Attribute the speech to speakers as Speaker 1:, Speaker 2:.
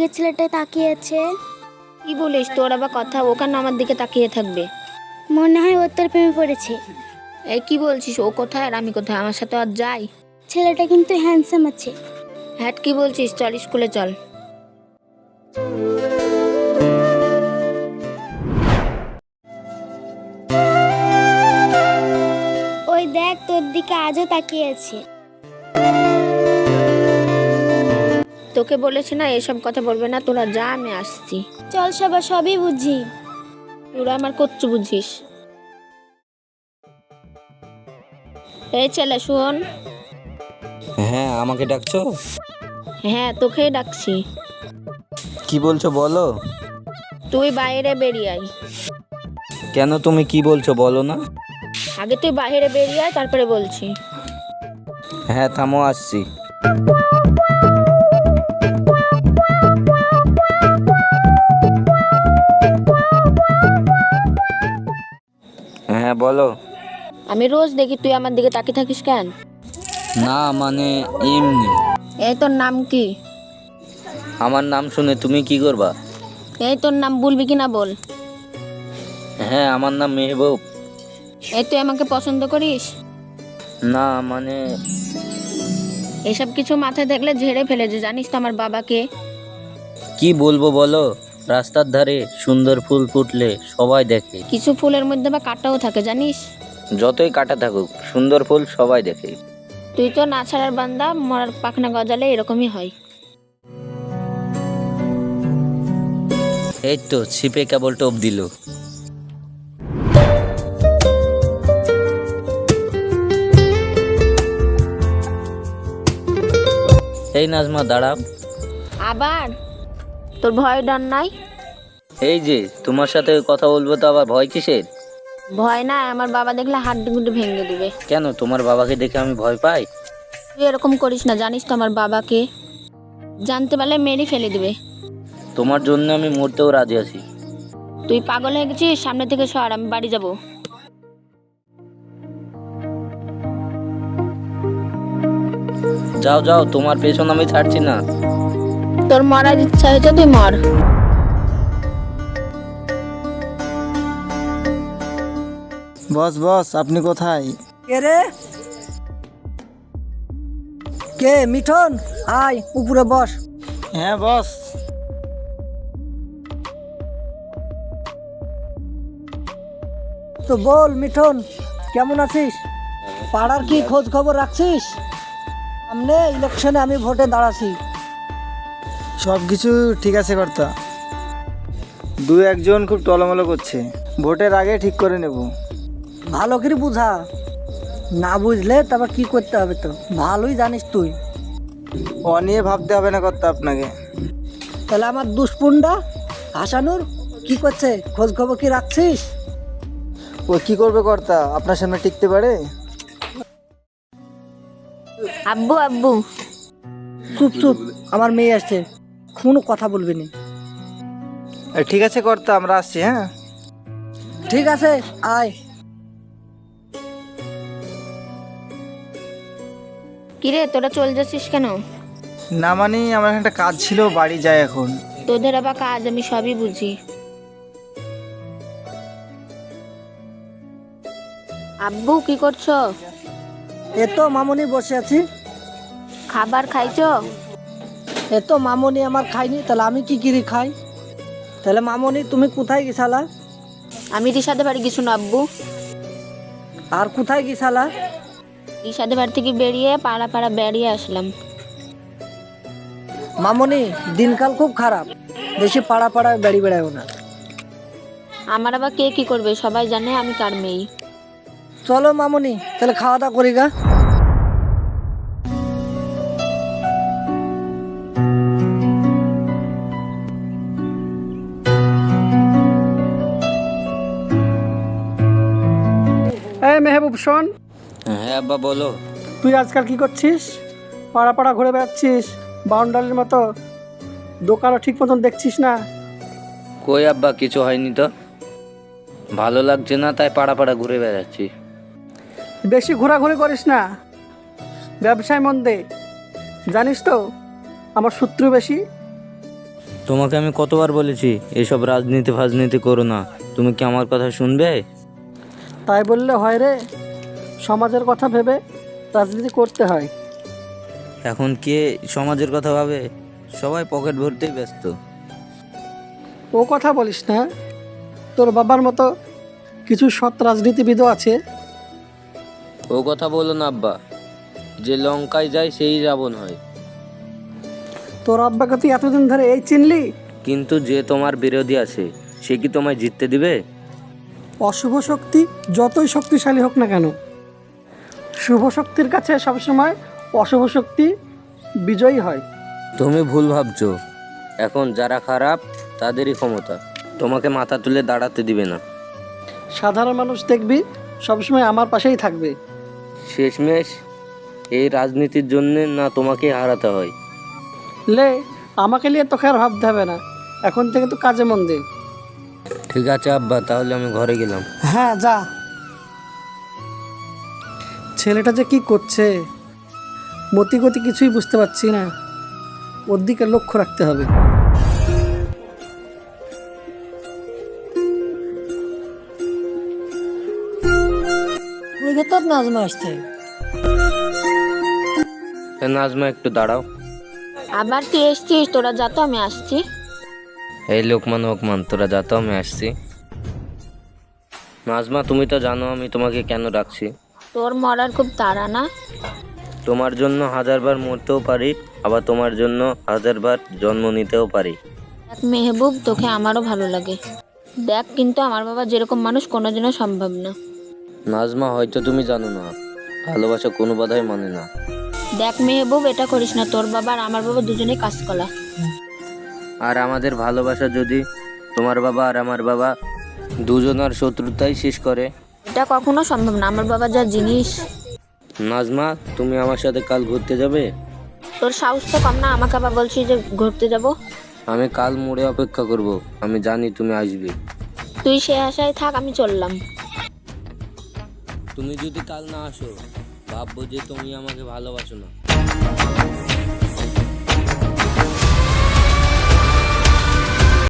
Speaker 1: ছেলেটাই তাকিয়ে আছে।
Speaker 2: কি বলিস? তোর আবার কথা, ও কেন আমার দিকে তাকিয়ে থাকবে?
Speaker 1: মনে হয় ওর তোর প্রেমে পড়েছে।
Speaker 2: এই কি বলছিস? ও কোথায় আর আমি কোথায়? আমার সাথে আর যাই।
Speaker 1: ছেলেটা কিন্তু হ্যান্ডসাম আছে।
Speaker 2: হ্যাঁ কি বলছিস? চল স্কুলে চল।
Speaker 1: ওই দেখ, তোর দিকে আজও তাকিয়ে আছে।
Speaker 2: তোকে বলেছি না এসব কথা বলবে না, তোরা যা, আমি আসছি।
Speaker 1: চল সবার সবই বুঝি।
Speaker 2: তোরা আমার কচ্ছু বুঝিস। এই ছেলে শোন।
Speaker 3: হ্যাঁ, আমাকে ডাকছো?
Speaker 2: হ্যাঁ তোকেই ডাকছি।
Speaker 3: কি বলছো বলো।
Speaker 2: তুই বাইরে বেরিয়ে আয়।
Speaker 3: কেন, তুমি কি বলছো বলো না?
Speaker 2: আগে তুই বাইরে বেরিয়ে আয়, তারপরে বলছি।
Speaker 3: হ্যাঁ থামো, আসছি। হ্যাঁ বলো।
Speaker 2: আমি রোজ দেখি, তুই আমার দিকে তাকিয়ে থাকিস কেন?
Speaker 3: না মানে এমনি।
Speaker 2: এই তোর নাম কি?
Speaker 3: আমার নাম শুনে তুমি কি করবা?
Speaker 2: এই তোর নাম বলবি কি না বল।
Speaker 3: হ্যাঁ, আমার নাম মেহবুব।
Speaker 2: এই তুই আমাকে পছন্দ করিস?
Speaker 3: না মানে
Speaker 2: এসব কিছু মাথায় দেখলে ঝেড়ে ফেলে যে, জানিস তো আমার বাবাকে।
Speaker 3: কি বলবো বলো, রাস্তার ধারে সুন্দর ফুল ফুটলে সবাই দেখে।
Speaker 2: কিছু ফুলের মধ্যে বা কাঁটাও থাকে জানিস।
Speaker 3: যতই কাটা থাকুক, সুন্দর ফুল সবাই দেখে।
Speaker 2: তুই তো না ছাড়ার বান্দা, মরার পাখনা গজালে এরকমই হয়।
Speaker 3: এই তো ছিপে কেবল টোপ দিল। এই নাজমা দাঁড়াও।
Speaker 2: আবার তোর ভয় ডর নাই?
Speaker 3: এই যে তোমার সাথে কথা বলবো তো আবার ভয় কিসের?
Speaker 2: ভয় না, আমার বাবা দেখলে হাড্ডি গুড্ডি ভেঙে দিবে।
Speaker 3: কেন, তোমার বাবাকে দেখে আমি ভয় পাই?
Speaker 2: তুই এরকম করিস না, জানিস তো আমার বাবাকে। জানতে পারলে মেরে ফেলে দিবে।
Speaker 3: তোমার জন্য আমি মরতেও রাজি আছি।
Speaker 2: তুই পাগল হয়ে গেছিস? সামনে থেকে সর, আমি বাড়ি যাব।
Speaker 3: যাও যাও, তোমার পেছন আমি ছাড়ছি না।
Speaker 2: তোর মরার ইচ্ছা হয়েছে, তুই মর।
Speaker 4: বস বস, আপনি কোথায়?
Speaker 5: কে রে? কে? মিঠন, আয় উপরে বস।
Speaker 4: হ্যাঁ বস।
Speaker 5: তো বল মিঠন, কেমন আছিস? পাড়ার কি খোঁজ খবর রাখছিস? সামনে ইলেকশনে আমি ভোটে দাঁড়াছি।
Speaker 4: সব কিছু ঠিক আছে কর্তা। দু একজন খুব টলমলো করছে, ভোটের আগে ঠিক করে নেব।
Speaker 5: ভালো করে বুঝা, না বুঝলে তারপর কি করতে হবে তো ভালোই জানিস তুই।
Speaker 4: ও নিয়ে ভাবতে হবে না কর্তা আপনাকে।
Speaker 5: তাহলে আমার দুষ্পুন্ডা হাসানুর কি করছে, খোঁজ খবর কি রাখছিস?
Speaker 4: ও কি করবে কর্তা, আপনার সামনে টিকতে পারে?
Speaker 2: আব্বু আব্বু।
Speaker 5: চুপ চুপ, আমার মেয়ে আসছে, কোনো কথা বলবি না।
Speaker 4: ঠিক আছে কর্তা, আমরা আসছি। হ্যাঁ
Speaker 5: ঠিক আছে, আয়।
Speaker 2: কিরে তোরা চলে যাচ্ছিস কেন?
Speaker 4: না মানে আমার একটা কাজ ছিল, বাড়ি যাই এখন।
Speaker 2: তোদের আবার কাজ আমি সবই বুঝি। আব্বু কি করছো?
Speaker 5: এ তো মামনি বসে আছি।
Speaker 2: খাবার খাইছো?
Speaker 5: এ তো মামনি আমার খাইনি, তাহলে আমি কি কিরি খাই? তাহলে মামনি তুমি কোথায় গেছালা?
Speaker 2: আমি রিসাদের বাড়ি গেছি না আব্বু।
Speaker 5: আর কোথায় গেছালা?
Speaker 2: রিসাদের বাড়ি থেকে বেরিয়ে পাড়া পাড়া বেরিয়ে আসলাম।
Speaker 5: মামনি দিনকাল খুব খারাপ, বেশি পাড়া পাড়ায় বেড়ি বেড়ায় না।
Speaker 2: আমার আবার কে কি করবে, সবাই জানে আমি কার মেয়ে।
Speaker 5: চলো মামনি, তাহলে খাওয়া দাওয়া করি গা।
Speaker 6: এই মেহবুব শোন,
Speaker 3: হ্যাঁ আব্বা বলো।
Speaker 6: তুই আজকাল কি করছিস? পাড়া পাড়া ঘুরে বেড়াচ্ছিস বাউন্ডারির মতো, দোকানও ঠিক মতন দেখছিস না।
Speaker 3: কই আব্বা, কিছু হয়নি তো। ভালো লাগছে না তাই পাড়া পাড়া ঘুরে বেড়াচ্ছি।
Speaker 6: বেশি ঘোরাঘুরি করিস না, ব্যবসায় মন দে। জানিস তো আমার শত্রু বেশি।
Speaker 3: তোমাকে আমি কতবার বলেছি এসব রাজনীতি ফাজনীতি করো না, তুমি কি আমার কথা শুনবে?
Speaker 6: তাই বললে হয় রে? সমাজের কথা ভেবে রাজনীতি করতে হয়।
Speaker 3: এখন কে সমাজের কথা ভাবে? সবাই পকেট ভরতেই ব্যস্ত।
Speaker 6: ও কথা বলিস না, তোর বাবার মতো কিছু সৎ রাজনীতিবিদও আছে।
Speaker 3: ও কথা বলো না আব্বা, যে লঙ্কায় যায় সেই রাবণ হয়।
Speaker 6: তোর আব্বাকে তুই এতদিন ধরে এই চিনলি?
Speaker 3: কিন্তু যে তোমার বিরোধী আছে সে কি তোমায় জিততে দিবে?
Speaker 6: অশুভ শক্তি যতই শক্তিশালী হোক না কেন, শুভ শক্তির কাছে সবসময় অশুভ শক্তি বিজয়ী হয়।
Speaker 3: তুমি ভুল ভাবছো। এখন যারা খারাপ তাদেরই ক্ষমতা, তোমাকে মাথা তুলে দাঁড়াতে দিবে না।
Speaker 6: সাধারণ মানুষ দেখবি সবসময় আমার পাশেই থাকবে।
Speaker 3: শেষমেশ এই রাজনীতির জন্য না তোমাকে হারাতে হয়।
Speaker 6: লে, আমাকে নিয়ে তোকে আর ভাবতে হবে না, এখন থেকে তো কাজে মন দে।
Speaker 3: ঠিক আছে আব্বা, তাহলে আমি ঘরে গেলাম।
Speaker 6: হ্যাঁ যা। ছেলেটা যে কি করছে মতিগতি কিছুই বুঝতে পারছি না, ওর দিকে লক্ষ্য রাখতে হবে।
Speaker 5: ওই যে তোর নাজমা আসছে।
Speaker 3: নাজমা একটু দাঁড়াও।
Speaker 2: আবার তুই এসছিস? তোরা যা তো, আমি আসছি।
Speaker 3: এই লোকমান ওকমান, তোরা যা তো, আমি আসছি। নাজমা, তুমি তো জানো আমি তোমাকে কেন ডাকছি।
Speaker 2: তোর মরার খুব তাড়া না?
Speaker 3: তোমার জন্য 1000বার মরতেও পারি, আবার তোমার জন্য 1000বার জন্ম নিতেও পারি।
Speaker 2: দেখ মেহবুব, তোকে আমারও ভালো লাগে। দেখ, কিন্তু আমার বাবা যেরকম মানুষ কোনোদিনও সম্ভব না।
Speaker 3: নাজমা, হয়তো তুমি জানো না, ভালোবাসা কোনো বাধাই মানে না।
Speaker 2: দেখ মেহবুব, এটা করিস না। তোর বাবা আর আমার বাবা দুজনেই কাজ কলা।
Speaker 3: আর আমাদের ভালোবাসা যদি তোমার বাবা আর আমার বাবা দুজনার শত্রুতাই শেষ করে?
Speaker 2: এটা কখনো সম্ভব না, আমার বাবা যা জিনিস।
Speaker 3: নাজমা, তুমি আমার সাথে কাল ঘুরতে যাবে?
Speaker 2: তোর সাহস তো কম না, আমাকে আবার বলছিস যে ঘুরতে যাব।
Speaker 3: আমি কাল মোড়ে অপেক্ষা করব, আমি জানি তুমি আসবে।
Speaker 2: তুই সে আশায় থাক, আমি চললাম।
Speaker 3: তুমি যদি কাল না আসো ভাববো যে তুমি আমাকে ভালোবাসো না।